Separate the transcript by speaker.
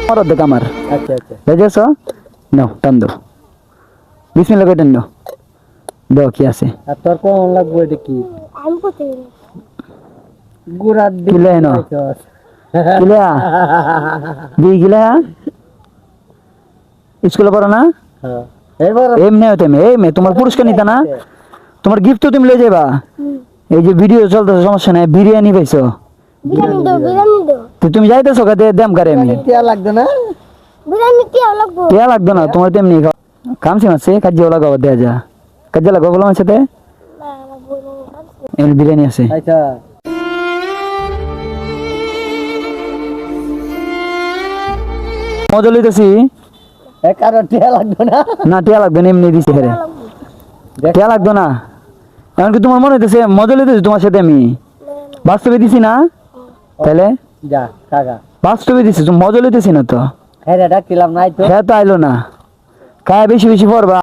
Speaker 1: আমার অর্ধেক আমার।
Speaker 2: আচ্ছা আচ্ছা
Speaker 1: বুঝেছ? নাও টান দাও, বিসমিল্লাহ করে টান দাও। দাও কি আছে?
Speaker 2: আর তোর কোন লাগবে এটা কি
Speaker 3: আমি করতে
Speaker 2: গুড়ার
Speaker 1: কিলে
Speaker 2: দিলে
Speaker 1: এনো কিলা দিয়ে গিলা স্কুলে পড়ো না?
Speaker 2: হ্যাঁ এবার
Speaker 1: এমনি তুমি এই মেয়ে তোমার পুরস্কার নিতে না, তোমার গিফট তো তুমি লয়ে যাবা। এই যে ভিডিও চলতেছে সমস্যা নাই, বিরিয়ানি পাইছো
Speaker 3: বিরিয়ানি দাও, বিরিয়ানি দাও,
Speaker 1: তো তুমি যাইতেছো কাতে দেম করে আমি
Speaker 2: টিয়া লাগবে না
Speaker 3: বিরিয়ানি কি লাগবো?
Speaker 1: টিয়া লাগতো না তোমার, তেমনি কামছে মাসে কাজে লাগাবো দেয়া যা কাজে লাগাবো বলো আমার সাথে। এমনি বিরিয়ানি আছে।
Speaker 2: আচ্ছা
Speaker 1: মজা লইতেছি
Speaker 2: কারো টিয়া লাগবে না
Speaker 1: না, টিয়া লাগবে না, এমনি দিছি হেরে টিয়া লাগতো না। এমনকি তোমার মনে হইতেছে মজা লইতেছি তোমার সাথে আমি, বাস্তবে দিছি না তাহলে,
Speaker 2: যা কাকা
Speaker 1: বাস্তবে দিছি তুমি মজা লইতেছি না তো।
Speaker 2: হ্যাঁ ডাকিলাম নাই তো
Speaker 1: হ্যাঁ তো আইলো না, কায় বেশি বেশি পড়বা।